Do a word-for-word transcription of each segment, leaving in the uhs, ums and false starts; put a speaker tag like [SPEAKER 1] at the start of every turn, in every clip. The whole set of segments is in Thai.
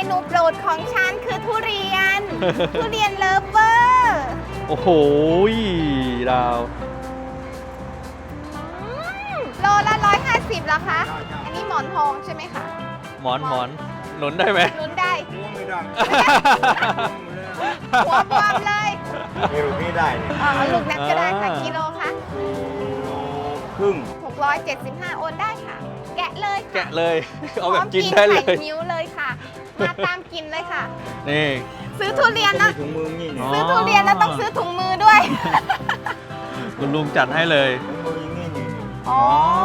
[SPEAKER 1] นูโปรดของฉันคือทุเรียน ทุเรียนเลิฟเวอร์
[SPEAKER 2] โอ้โหดาว
[SPEAKER 1] โลละร้อยห้าสิบเหรอคะ อันนี้หมอนทองใช่ไหมคะ
[SPEAKER 2] หมอนหมอนหนุนได้ไหม
[SPEAKER 1] ลุ้นได้
[SPEAKER 3] ไม่ได้
[SPEAKER 1] หัวบวมเลย
[SPEAKER 3] ไม่รู้พี่ได้เนี่ย
[SPEAKER 1] อ๋อลูกนั้นก็ได้ค่ะกิโลคะ
[SPEAKER 3] โลครึ่ง
[SPEAKER 1] หกร้อยเจ็ดสิบห้าโอนได้ค่ะ แกะเลยค่ะ
[SPEAKER 2] แกะเลย เอาแบบกินได้เล
[SPEAKER 1] พร้อม
[SPEAKER 2] ย
[SPEAKER 1] ไข่นิ้วเลยค่ะ มาตามกินเลยค่ะ
[SPEAKER 2] นี่
[SPEAKER 1] ซื้อทุเรียนนะ
[SPEAKER 3] ถุงมือนี่เนี่ย
[SPEAKER 1] ซื้อทุเรียนแล้วต้องซื้อถุงมือด้วย
[SPEAKER 2] คุณลุงจัดให้เลย
[SPEAKER 3] ถุงมืออย่างนี้นี่
[SPEAKER 1] อ๋อ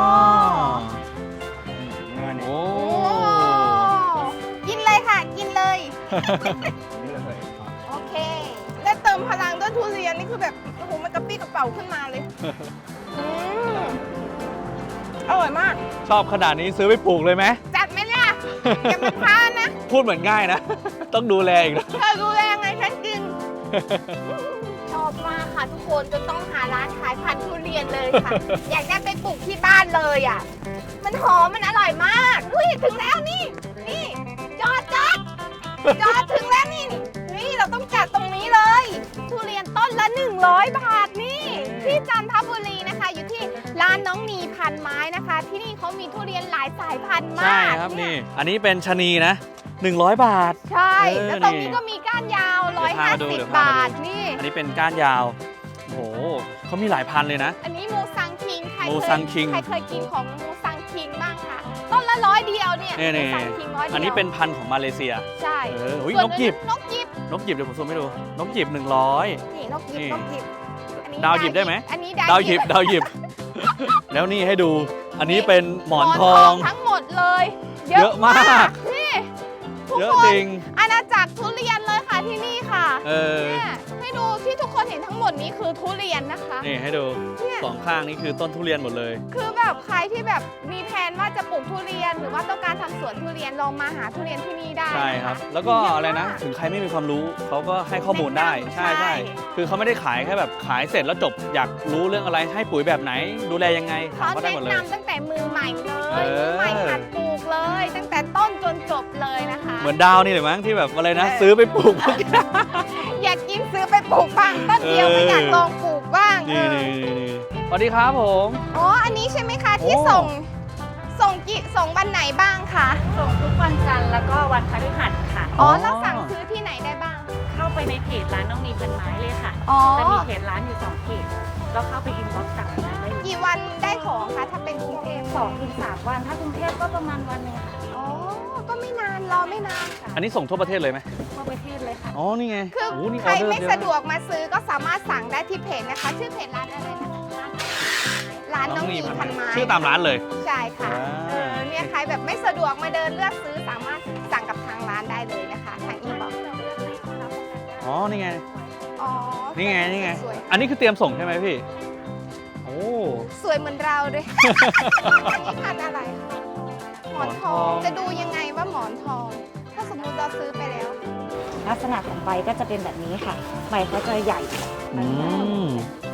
[SPEAKER 3] เงินนี่
[SPEAKER 2] โอ้
[SPEAKER 1] โอ้กินเลยค่ะ กินเลย
[SPEAKER 3] นี่เลย
[SPEAKER 1] โอเค ได้เติมพลังด้วยทุเรียนนี่คือแบบ โอ้โห มันกระปี้กระเป๋าขึ้นมาเลยอืมอร่อยมาก
[SPEAKER 2] ชอบขนาดนี้ซื้อไปปลูกเลยไหม
[SPEAKER 1] จัดไหมล่ะอย่ามาพลาดนะ
[SPEAKER 2] พูดเหมือนง่ายนะ ต้องดูแลอีกนะ
[SPEAKER 1] เธอดูแลไงฉันกิน ชอบมากค่ะทุกคนจนต้องหาร้านขายพันธุ์ทุเรียนเลยค่ะ อยากได้ไปปลูกที่บ้านเลยอ่ะ มันหอมมันอร่อยมากอุ้ยถึงแล้วนี่ นี่ จอดจอดจอดถึงแล้วนี่นี่เราต้องจัดตรงนี้เลย ทุเรียนต้นละหนึ่งร้อยบาทนี่ที่จันทบุรีนะคะ อยู่ที่ร้านน้องนีพันไม้นะคะ ที่นี่เขามีทุเรียนหลายสายพันธุ์มาก
[SPEAKER 2] ใช่ครับนี่ อันนี้เป็นชะนีนะหนึ่งร้อยบาท
[SPEAKER 1] ใช่
[SPEAKER 2] เออ
[SPEAKER 1] แล้วตรง
[SPEAKER 2] นี่
[SPEAKER 1] นี้ก็มีก้านยาว
[SPEAKER 2] เดี๋ยวพามาดูเดี๋ยว
[SPEAKER 1] หนึ่งร้อยห้าสิบ
[SPEAKER 2] พามาดู
[SPEAKER 1] บาทนี่
[SPEAKER 2] อันนี้เป็นก้านยาว โอ้โหเขามีหลายพันเลยนะ
[SPEAKER 1] อันนี้มูซังคิงใคร
[SPEAKER 2] มู
[SPEAKER 1] เค
[SPEAKER 2] ซั
[SPEAKER 1] ย
[SPEAKER 2] งคิง
[SPEAKER 1] ใครเคยกินของมูซังคิงบ้างคะต้นละร้อยเดียวเนี่ย
[SPEAKER 2] นี่
[SPEAKER 1] มู
[SPEAKER 2] นี่
[SPEAKER 1] ซังคิงร้อยเดียว
[SPEAKER 2] อันนี้เป็นพันธุ์ของมาเลเซีย
[SPEAKER 1] ใช่
[SPEAKER 2] เอออุ๊ย
[SPEAKER 1] ส่วน
[SPEAKER 2] นกหยิบ
[SPEAKER 1] นกหยิบ
[SPEAKER 2] นกหยิบเดี๋ยวผมซูมให้ดู นกหยิบหนึ่งร้อย
[SPEAKER 1] นี่นกหยิบ
[SPEAKER 2] นี่
[SPEAKER 1] นกหยิบอันนี้
[SPEAKER 2] ดาวหยิบได้ไหม
[SPEAKER 1] อันนี้
[SPEAKER 2] ดาวหยิบดาวหยิบ แล้วนี่ให้ดู อันนี้เป็นหมอนทอง
[SPEAKER 1] ทั้งหมดเลย
[SPEAKER 2] เยอะมาก
[SPEAKER 1] นี่ทุก
[SPEAKER 2] เยอะ
[SPEAKER 1] คน
[SPEAKER 2] จริง
[SPEAKER 1] อาณาจักรทุเรียนเลยค่ะที่นี่ค่ะ
[SPEAKER 2] เออ
[SPEAKER 1] เนี่ยให้ดูที่ทุกคนเห็นทั้งหมดนี้คือทุเรียนนะคะ
[SPEAKER 2] นี่ให้ดู
[SPEAKER 1] เนี่ย
[SPEAKER 2] สองข้างนี่คือต้นทุเรียนหมดเลย
[SPEAKER 1] คือแบบใครที่แบบมีแผนว่าจะปลูกทุเรียน หรือว่าต้องการทำสวนทุเรียนลองมาหาทุเรียนที่นี่ได้
[SPEAKER 2] ใช่ครับ แล้วก็
[SPEAKER 1] เย
[SPEAKER 2] อะไรนะ
[SPEAKER 1] มาก
[SPEAKER 2] ถึงใครไม่มีความรู้เขาก็ให้ข้อมูลได้
[SPEAKER 1] แนะนำ
[SPEAKER 2] ใช่
[SPEAKER 1] ใช่
[SPEAKER 2] ใช่คือเขาไม่ได้ขายแค่แบบขายเสร็จแล้วจบ อยากรู้เรื่องอะไรให้ปุ๋ยแบบไหน ดูแลยังไงถาม
[SPEAKER 1] เขา
[SPEAKER 2] เขาได้
[SPEAKER 1] แนะ
[SPEAKER 2] หมดเลย
[SPEAKER 1] นำตั้งแต่มือใหม่เล
[SPEAKER 2] เอย อ
[SPEAKER 1] มือใหม่หัดปลูกเลย ตั้งแต่ต้นจนจบเลยนะคะ
[SPEAKER 2] เหมือนดาวนี่เลยมั้งที่แบบอะไรนะ
[SPEAKER 1] เออ
[SPEAKER 2] ซื้อไปปลูก
[SPEAKER 1] อยากกินซื้อไปปลูกบ้างต้นเดียว
[SPEAKER 2] เออ
[SPEAKER 1] ไม่อยากลองปลูกบ้าง
[SPEAKER 2] นี่
[SPEAKER 1] เอ
[SPEAKER 2] นี่
[SPEAKER 1] อ
[SPEAKER 2] นี่นี่สวัสดีครับผม
[SPEAKER 1] อ๋ออันนี้ใช่ไหมคะที่
[SPEAKER 2] โอ้
[SPEAKER 1] ส่งส่งกี่ส่งวันไหนบ้างคะ
[SPEAKER 4] ส่งทุกวันจันทร์แล้วก็วันพฤหัสค่ะ
[SPEAKER 1] อ๋อแล้วสั่งซื้อที่ไหนได้บ้าง
[SPEAKER 4] เข้าไปในเพจร้านน้องนีพันไม้เลยค่ะ
[SPEAKER 1] อ๋อ
[SPEAKER 4] จะมีเพจร้านอยู่สองเพจแล้วเข้าไปอินบ็อกซ์สั่งได้เลย
[SPEAKER 1] กี่วันได้ของคะถ้าเป็นกรุงเทพ
[SPEAKER 4] สองถึงสามวัน ถ้ากรุงเทพก็ประมาณวันหนึงค่ะ
[SPEAKER 1] อ๋อก็ไม่นานรอไม่นาน
[SPEAKER 2] อันนี้ส่งทั่วประเทศเลยไหม
[SPEAKER 4] ทั่วประเทศเลยค่ะ
[SPEAKER 2] อ๋อ นี่ไง
[SPEAKER 1] คือ
[SPEAKER 2] โอ้นี่
[SPEAKER 1] ใคร
[SPEAKER 2] ออเดอ
[SPEAKER 1] ไม่
[SPEAKER 2] เยอ
[SPEAKER 1] สะดวกมาซื้อก็สามารถสั่งได้ที่เพจนะคะ ชื่อเพจร้านอะไรนะคะร้านน้องหมีพันไม้
[SPEAKER 2] ชื่อตามร้านเลย
[SPEAKER 1] ใช่ค่ะ
[SPEAKER 2] อ่า
[SPEAKER 1] เออเนี่ยใครแบบไม่สะดวกมาเดินเลือกซื้อสามารถสั่งกับทางร้านได้เลยนะคะทางอีบ็อกซ์
[SPEAKER 2] อ๋อ นี่ไง
[SPEAKER 1] อ๋อ
[SPEAKER 2] นี่ไง นี่ไง
[SPEAKER 1] สวย
[SPEAKER 2] อันนี้คือเตรียมส่งใช่ไหมพี่ โอ้
[SPEAKER 1] สวยเหมือนเราเลย อันนี้พันธุ์อะไรคะหมอนทอง
[SPEAKER 2] หมอนทอง
[SPEAKER 1] จะดูยังไงว่าหมอนทอง ถ้าสมมุติเราซื้อไปแล้ว
[SPEAKER 4] ลักษณะของใบก็จะเป็นแบบนี้ค่ะ ใบเขาจะใหญ่
[SPEAKER 2] อืม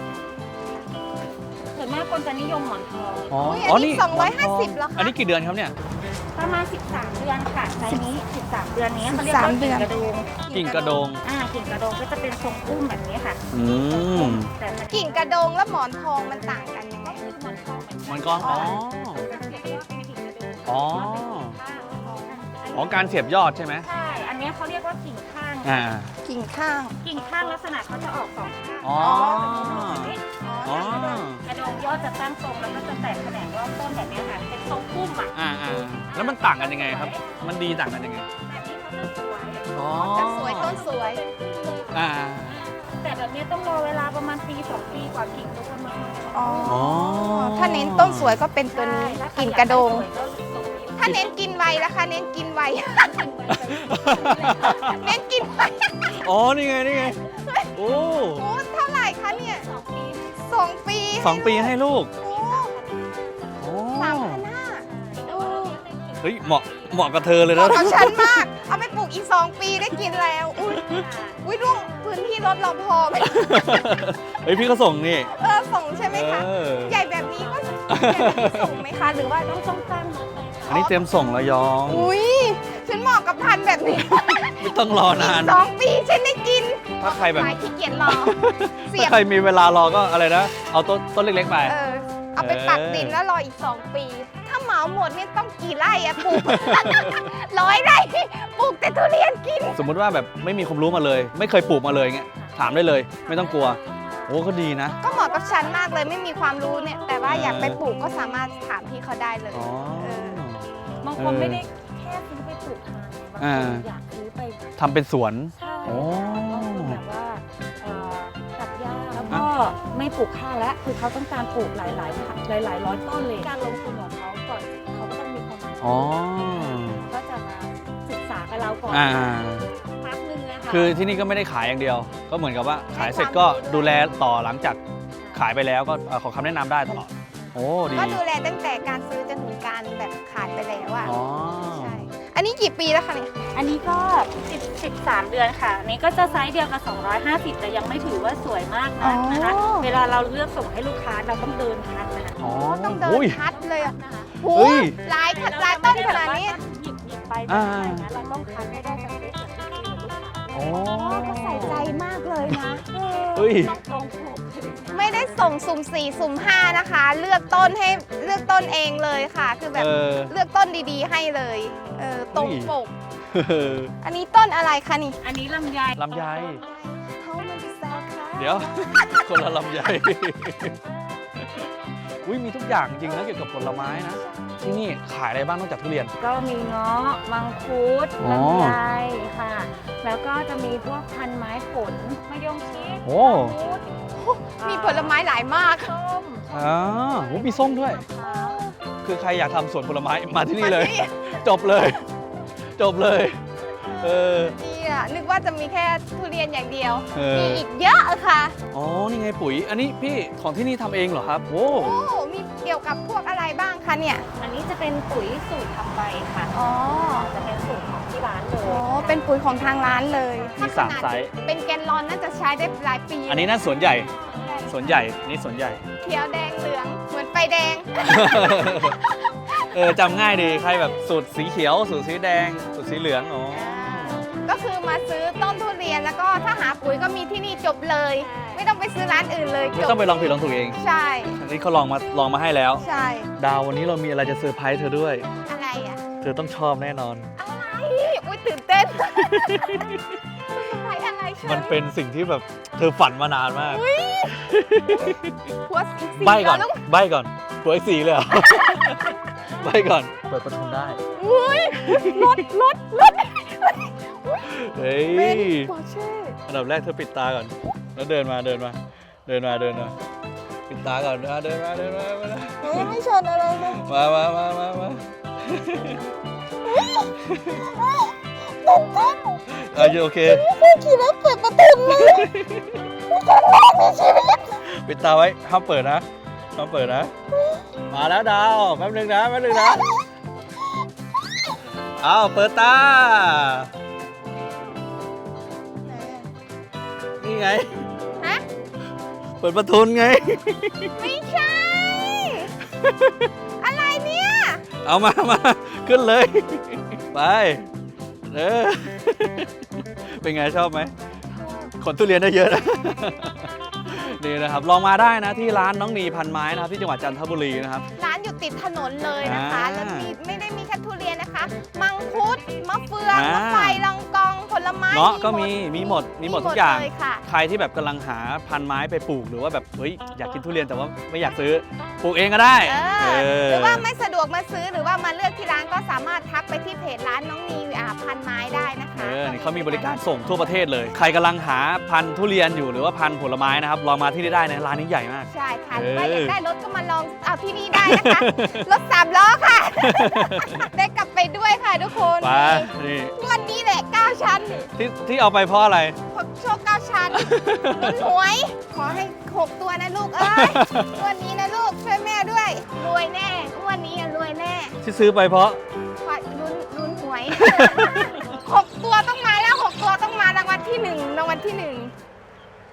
[SPEAKER 4] ส่วนมากคนจะนิยมหมอนทอง
[SPEAKER 2] อ๋อ
[SPEAKER 1] อุ๊ย
[SPEAKER 2] อ๋อ
[SPEAKER 1] อันนี้
[SPEAKER 2] นี่
[SPEAKER 1] สองร้อยห้าสิบเหรอคะ
[SPEAKER 2] อันนี้กี่เดือนครับเนี่ย
[SPEAKER 4] ประมาณ สิบสาม เดือนค่ะไซส์นี้ สิบสาม เดือนนี้เขาเรียกว่า
[SPEAKER 1] สิบสาม
[SPEAKER 4] กิ่งกระโดง
[SPEAKER 2] กิ่งกระโดง
[SPEAKER 4] อ่ากิ่งกระโดงก็จะเป็นทรงอุ้มแบบนี้ค่ะ
[SPEAKER 2] อืม
[SPEAKER 4] แต่มัน
[SPEAKER 1] กิ่งกระโดงและหมอนทองมันต่างกันยังไง
[SPEAKER 4] ก็คือหมอนทองเหมือน
[SPEAKER 2] มัน
[SPEAKER 4] กั
[SPEAKER 2] ก็ อ๋อ
[SPEAKER 4] จะเรียกว่าเป็นกิ่งกระโดง
[SPEAKER 2] อ๋อ อ๋อ การเสียบยอดใช่ไหม
[SPEAKER 4] ใช่ อันนี้เขาเรียกว่ากิ่งข้าง
[SPEAKER 2] อ่า
[SPEAKER 1] กิ่งข้าง
[SPEAKER 4] กิ่งข้างลักษณะเขาจะออกสองข้าง
[SPEAKER 2] อ๋อ อ๋อ
[SPEAKER 4] กระโดงยอดจะตั้งตรงแล้วก็จะแตกแขนงรอบต้นแบบนี้ค่ะ เป็นทรงพุ่มอ่ะ
[SPEAKER 2] อ่าอ่าแล้วมันต่างกันยังไงครับ มันดีต่างกันยังไง
[SPEAKER 4] แบบนี้เขาจะสวย
[SPEAKER 2] อ๋อ
[SPEAKER 1] จะสวยต้นสวย
[SPEAKER 2] อ่า
[SPEAKER 4] แต่แบบนี้ต้องรอเวลาประมาณปีสองปีกว่ากิ่งจะประเมิน
[SPEAKER 1] อ๋อ
[SPEAKER 2] อ๋อ
[SPEAKER 1] ถ้าเน้นต้นสวยก็เป็นตัวนี้
[SPEAKER 4] ใช่ถ้าใค
[SPEAKER 1] กิ่งกระโดง
[SPEAKER 4] อยาได้สวยก็ตรงนี้
[SPEAKER 1] ถ้าเน้นกินไวล่ะคะ เน้นกินไว เน้นกินไว
[SPEAKER 2] อ๋อ นี่ไง นี่ไง โอ้
[SPEAKER 1] โอ้เท่าไหร่คะเนี่ย
[SPEAKER 4] สองปี
[SPEAKER 1] สองปี
[SPEAKER 2] สองปีให้ลูก
[SPEAKER 1] โอ้
[SPEAKER 2] โอ้
[SPEAKER 1] สามพันห้าโอ้
[SPEAKER 2] เฮ้ย เหมาะ เหมาะกับเธอเลย
[SPEAKER 1] เหมาะ
[SPEAKER 2] นะ
[SPEAKER 1] กับฉันมาก เอาไปปลูกอีกสองปีได้กินแล้ว อุ้ยอุ้ยร่วงพื้นที่รถเราพอไหม
[SPEAKER 2] เฮ้ย พี่ก็ส่งนี่
[SPEAKER 1] เออส่งใช่ไหมคะ
[SPEAKER 2] เออ
[SPEAKER 1] ใหญ่แบบนี้ก็ใหญ่แบบนี้ส่งไหมคะ หรือว่า
[SPEAKER 4] ต้องต้องตั้งรถเลย
[SPEAKER 2] อันนี้เตรียมส่งระยอง
[SPEAKER 1] อุ้ยฉันเหมาะกับพันธุ์แบบนี้
[SPEAKER 2] ต้องรอนาน
[SPEAKER 1] สองปีฉันได้กิน
[SPEAKER 2] ถ้าใครแบบ
[SPEAKER 1] ขายขี้เกียจรอ เสี
[SPEAKER 2] ถ้าย
[SPEAKER 1] บ
[SPEAKER 2] ใครมีเวลารอก็อะไรนะ เอาต้นต้นเล็กๆไป
[SPEAKER 1] เออ เอาไปปักดินแล้วรออีกสองปี ถ้าเหมาหมดนี่ต้องกี่ไร่อะปลูก ร้อยไร่ปลูกแต่ทุเรียนกิน
[SPEAKER 2] สมมุติว่าแบบไม่มีความรู้มาเลย ไม่เคยปลูกมาเลยเงี้ยถามได้เลย ไม่ต้องกลัว โอ้ก็ดีนะ
[SPEAKER 1] ก็เหมาะกับฉันมากเลยไม่มีความรู้เนี่ย แต่ว่าอยากไปปลูกก็สามารถถามพี่เขาได้เลย
[SPEAKER 2] อ๋อ
[SPEAKER 1] เออ
[SPEAKER 4] บางคนไม่ได้แค่ซื้อไปปลูกทานบาง
[SPEAKER 2] อ่า
[SPEAKER 4] คนอยากซื้อไป
[SPEAKER 2] ทำเป็นสวน
[SPEAKER 4] ใช่
[SPEAKER 2] โอ้
[SPEAKER 4] บางคนแบบว่าเอ่อตัดหญ้าแล้วก็ไม่ปลูกข้าวแล้ว คือเขาต้องการปลูกหลายๆหลายหลายๆร้อยต้นเลย การลงทุนของเขาก่อนเขาก็ต้องมีความรู้
[SPEAKER 2] อ๋อ
[SPEAKER 4] ก็จะมาศึกษากับเราก่อน
[SPEAKER 2] อ่า
[SPEAKER 4] พักหนึงนะคะ
[SPEAKER 2] คือที่นี่ก็ไม่ได้ขายอย่างเดียว ก็เหมือนกับว่าขายเสร็จก็ดูแลต่อหลังจากขายไปแล้วก็เอ่อขอคำแนะนำได้ตลอด โอ้ดี
[SPEAKER 1] ก็ดูแลตั้งแต่การซื้อจนถึงการแบบขายไปแล้วอะ
[SPEAKER 2] อ๋อ
[SPEAKER 1] ใช่ อันนี้กี่ปีแล้วคะเนี่ย
[SPEAKER 4] อันนี้ก็สิบ สิบสามเดือนค่ะอันนี้ก็จะไซส์เดียวกับสองร้อยห้าสิบแต่ยังไม่ถือว่าสวยมากนักนะคะ
[SPEAKER 1] อ๋อ
[SPEAKER 4] เวลาเราเลือกส่งให้ลูกค้าเราต้องเดินคัดนะคะ
[SPEAKER 2] อ๋อ
[SPEAKER 1] ต้องเดิน
[SPEAKER 2] อุ้ย
[SPEAKER 1] คัดเลยอะโห
[SPEAKER 2] เฮ้ย
[SPEAKER 1] หลายขหลายต้นขนาดนี้
[SPEAKER 4] หยิบหยิบไป
[SPEAKER 2] อ่า
[SPEAKER 4] ไม่ได้นะเราต้องคัดให้ได้สเปคแบบที่คุยกับลูกค้า
[SPEAKER 2] อ๋อ
[SPEAKER 1] ก็ใส่ใจมากเลยนะ
[SPEAKER 2] เฮ้ย
[SPEAKER 4] ต้องตรงปลูก
[SPEAKER 1] ไม่ได้ส่งสุ่มสี่สุ่มห้านะคะ เลือกต้นให้เลือกต้นเองเลยค่ะ คือแบบ
[SPEAKER 2] เออ
[SPEAKER 1] เลือกต้นดีๆให้เลย เออตรง
[SPEAKER 2] เฮ้ย
[SPEAKER 1] ปก อันนี้ต้นอะไรคะนี่
[SPEAKER 4] อันนี้ลำไย
[SPEAKER 2] ลำไย
[SPEAKER 1] เขามันจะแซวค่ะ
[SPEAKER 2] เดี๋ยว คนละลำไย อุ้ยมีทุกอย่างจริงนะเกี่ยวกับผลไม้นะ ที่นี่ขายอะไรบ้างนอกจากทุเรียน
[SPEAKER 4] ก็มีเงาะมังคุด
[SPEAKER 2] อ๋อ
[SPEAKER 4] ลำไยค่ะ แล้วก็จะมีพวกพันไม้ผลมะยงชิด
[SPEAKER 2] โอ้
[SPEAKER 4] มังคุด
[SPEAKER 1] มีผลไม้หลายมาก
[SPEAKER 4] ส้ม
[SPEAKER 2] อ๋อโหมีส้มด้วย
[SPEAKER 4] มะพร้าว
[SPEAKER 2] คือใครอยากทำสวนผลไม้มาที่นี่เลย
[SPEAKER 1] มาที่นี่
[SPEAKER 2] จบเลย จบเลย เออ
[SPEAKER 1] ดีอ่ะนึกว่าจะมีแค่ทุเรียนอย่างเดียว
[SPEAKER 2] เอ
[SPEAKER 1] มี
[SPEAKER 2] อ
[SPEAKER 1] อีกเยอะค่ะ
[SPEAKER 2] อ๋อ นี่ไงปุ๋ย อันนี้พี่ของที่นี่ทำเองเหรอครับ โอ้
[SPEAKER 1] โอ้มีเกี่ยวกับพวกอะไรบ้างคะเนี่ย
[SPEAKER 4] อันนี้จะเป็นปุ๋ยสูตรทำใบค่ะ
[SPEAKER 1] อ๋อ
[SPEAKER 4] จะเป็นสูตรของที่ร้านเลย
[SPEAKER 1] โอ้เป็นปุ๋ยของทางร้านเลย
[SPEAKER 2] มีสามไซส์
[SPEAKER 1] เป็นแกนลอนน่าจะใช้ได้หลายปี
[SPEAKER 2] อันนี้น่าสวนใหญ่ สวนใหญ่ นี่สวนใหญ่
[SPEAKER 1] เขียวแดงเหลือง เหมือนไฟแดง
[SPEAKER 2] เออจำง่ายดี ใครแบบสูตรสีเขียว สูตรสีแดง สูตรสีเหลือง อ๋อ
[SPEAKER 1] ก็คือมาซื้อต้นทุเรียนแล้วก็ถ้าหาปุ๋ยก็มีที่นี่จบเลย ไม่ต้องไปซื้อร้านอื่นเลย
[SPEAKER 2] ไม่
[SPEAKER 1] จบ
[SPEAKER 2] ต้องไปลองผิดลองถูกเอง
[SPEAKER 1] ใช่
[SPEAKER 2] อันนี้เขาลองมาลองมาให้แล้ว
[SPEAKER 1] ใช่
[SPEAKER 2] ดาววันนี้เรามีอะไรจะเซอร์ไพรส์เธอด้วย
[SPEAKER 1] อะไรอ่ะ
[SPEAKER 2] เธอต้องชอบแน่นอน
[SPEAKER 1] อะไรอุ้ยตื่นเต้น อะไรอะไรใช่
[SPEAKER 2] มันเป็นสิ่งที่แบบเธอฝันมานานมาก
[SPEAKER 1] หัวสีสี
[SPEAKER 2] ใบก่อน
[SPEAKER 1] แล้วลูก
[SPEAKER 2] ใบก่อนตัวไอ้สีเลยเหรอ ใบก่อน เปิดประตูได้
[SPEAKER 1] อุ้ยรถรถรถ
[SPEAKER 2] เฮ้ย
[SPEAKER 1] เป็นปอร์เช่
[SPEAKER 2] อันดับแรกเธอปิดตาก่อน แล้วเดินมาเดินมา เดินมาเดินมา ปิดตาก่อนอ่ะเดินมาเดินมามา
[SPEAKER 1] เฮ้ยไม่ชนอะไรเลย
[SPEAKER 2] มามามามามา
[SPEAKER 1] ตื่นเต้น
[SPEAKER 2] เออโอเค
[SPEAKER 1] ไม่เคยขี่รถเปิดประตูเลยครั้งแรกในชีวิต
[SPEAKER 2] ปิดตาไว้ห้ามเปิดนะห้ามเปิดนะ มาแล้วดาวแป๊บนึงนะแป๊บนึงนะเอาเปิดตา นี่ไง
[SPEAKER 1] ฮะ
[SPEAKER 2] เปิดประทุนไง
[SPEAKER 1] ไม่ใช่ อะไรเนี่ย
[SPEAKER 2] เอามา มา ขึ้นเลย ไป เออ เป็นไงชอบไหม ขนทุเรียนได้เยอะนะ นี่นะครับ ลองมาได้นะที่ร้านน้องนีพันไม้นะครับที่จังหวัดจันทบุรีนะครับ
[SPEAKER 1] ร้านอยู่ติดถนนเลยนะคะ
[SPEAKER 2] อ่า
[SPEAKER 1] แล้วมีไม่ได้มีแค่ทุเรียนนะคะ มังคุด มะเฟือง
[SPEAKER 2] อ่าม
[SPEAKER 1] มะไฟลองกองผลไม้
[SPEAKER 2] เงาะก็มี มีหมด มีหมดทุกอย่าง
[SPEAKER 1] เลยค่ะ
[SPEAKER 2] ใครที่แบบกำลังหาพันไม้ไปปลูกหรือว่าแบบเฮ้ยอยากกินทุเรียนแต่ว่าไม่อยากซื้อปลูกเองก็ได้
[SPEAKER 1] เออ
[SPEAKER 2] เออ
[SPEAKER 1] หรือว่าไม่สะดวกมาซื้อหรือว่ามาเลือกที่ร้านก็สามารถทักไปที่เพจร้านน้องนีอ่าพันไม้ได้นะคะ
[SPEAKER 2] เออนี่เขามีบริการส่งทั่วประเทศเลย ใครกำลังหาพันธุ์ทุเรียนอยู่หรือว่าพันธุ์ผลไม้นะครับ ลองมาที่นี่ได้นะร้านนี้ใหญ่มาก
[SPEAKER 1] ใช่ค่ะ
[SPEAKER 2] เอ
[SPEAKER 1] ห
[SPEAKER 2] อ
[SPEAKER 1] รือว่าอยากได้รถก็มาลองเอาที่นี่ได้นะคะ รถสามล้อค่ะ ได้กลับไปด้วยค่ะทุกคน
[SPEAKER 2] ไปนี่
[SPEAKER 1] งวันนี้แหละเก้าชั้น
[SPEAKER 2] ที่ที่เอาไปเพราะอะไร
[SPEAKER 1] พบโชคเก้าชั้นลุ้นหวย ขอให้หกตัวนะลูกเอ้ยงวันนี้นะลูกช่วยแม่ด้วย รวยแน่งวันนี้อะรวยแน่
[SPEAKER 2] ที่ซื้อไปเพราะ
[SPEAKER 1] ขอลุ้นลุ้นหวย